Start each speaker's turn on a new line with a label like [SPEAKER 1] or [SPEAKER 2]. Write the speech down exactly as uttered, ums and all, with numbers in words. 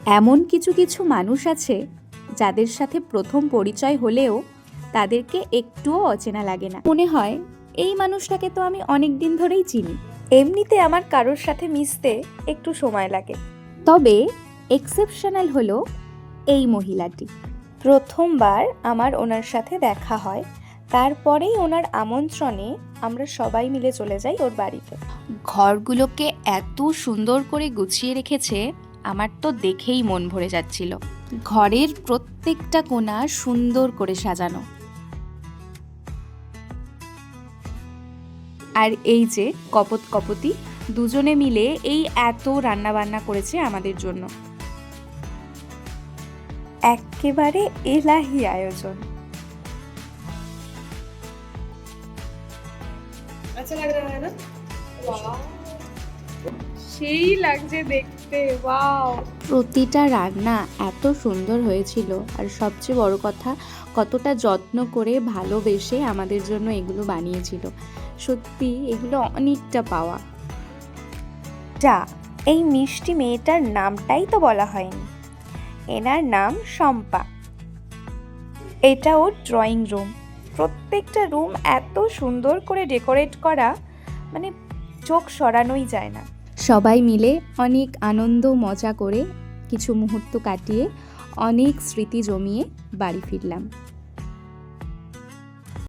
[SPEAKER 1] এমন কিছু কিছু মানুষ আছে যাদের সাথে প্রথম পরিচয় হলেও তাদেরকে একটুও অচেনা লাগে না। মনে হয় এই মানুষটাকে তো আমি অনেক দিন ধরেই চিনি। এমনিতে আমার কারোর সাথে মিশতে একটু সময় লাগে, তবে এক্সেপশনাল হলো এই মহিলাটি। প্রথমবার আমার ওনার সাথে দেখা হয়, তারপরেই ওনার আমন্ত্রণে আমরা সবাই মিলে চলে যাই ওর বাড়িতে। ঘরগুলোকে এত সুন্দর করে গুছিয়ে রেখেছে, আমার তো দেখেই মন ভরে যাচ্ছিল। ঘরের প্রত্যেকটা কোণা সুন্দর করে সাজানো। আর এই যে কপত কপতি দুজনে মিলে এই এত রান্না বান্না করেছে আমাদের জন্য। একেবারে এলাহি আয়োজন।
[SPEAKER 2] अच्छा लग रहा है ना? সেই লাগছে দেখতে। ওয়াও,
[SPEAKER 1] প্রতিটা রান্না এত সুন্দর হয়েছিল, আর সবচেয়ে বড় কথা কতটা যত্ন করে ভালোবেসে আমাদের জন্য এগুলো বানিয়েছিল। সত্যি এগুলো অনেকটা পাওয়া। যা, এই মিষ্টি মেয়েটার নামটাই তো বলা হয়নি। এনার নাম শম্পা। এটা ওর ড্রয়িং রুম। প্রত্যেকটা রুম এত সুন্দর করে ডেকোরেট করা, মানে চোখ সরানোই যায় না। সবাই মিলে অনেক আনন্দ মজা করে কিছু মুহূর্ত কাটিয়ে অনেক স্মৃতি জমিয়ে বাড়ি ফিরলাম।